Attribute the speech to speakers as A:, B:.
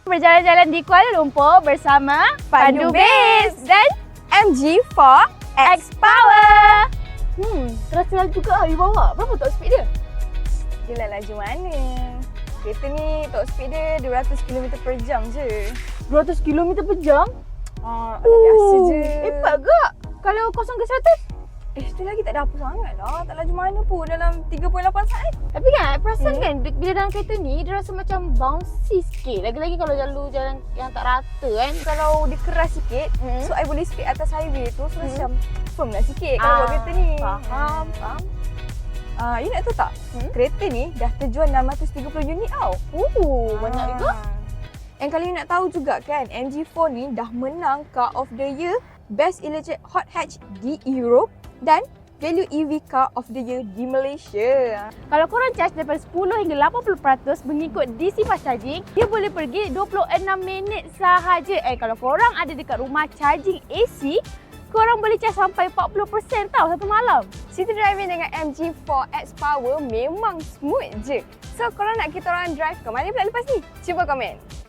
A: Berjalan-jalan di Kuala Lumpur bersama Pandu Base dan
B: MG4 X
A: X-Power. Terasa juga you bawa. Berapa top speed dia?
B: Gila laju mana? Kereta ni top speed dia 200 km per jam je.
A: 200 km per jam?
B: Biasa je.
A: Hebat gak? Kalau 0 ke 100?
B: Tu lagi tak ada apa sangat lah. Tak laju mana pun dalam 3.8 saat.
A: Tapi kan perasan kan bila dalam kereta ni dia rasa macam bouncy sikit. Lagi-lagi kalau jalur jalan yang tak rata kan.
B: Kalau dia keras sikit, so I boleh speed atas highway tu. So macam firm lah sikit kalau buat kereta ni.
A: Faham.
B: You nak tahu tak? Kereta ni dah terjual 630 unit tau.
A: Banyak juga.
B: And kalau you nak tahu juga kan, MG4 ni dah menang Car of the Year, Best Electric Hot Hatch di Europe dan Value EV Car of the Year di Malaysia.
A: Kalau korang charge daripada 10 hingga 80% mengikut DC fast charging, dia boleh pergi 26 minit sahaja. Kalau korang ada dekat rumah charging AC, korang boleh charge sampai 40% tau satu malam.
B: City driving dengan MG4 X Power memang smooth je. So korang nak kita orang drive ke mana pula lepas ni? Cuba komen.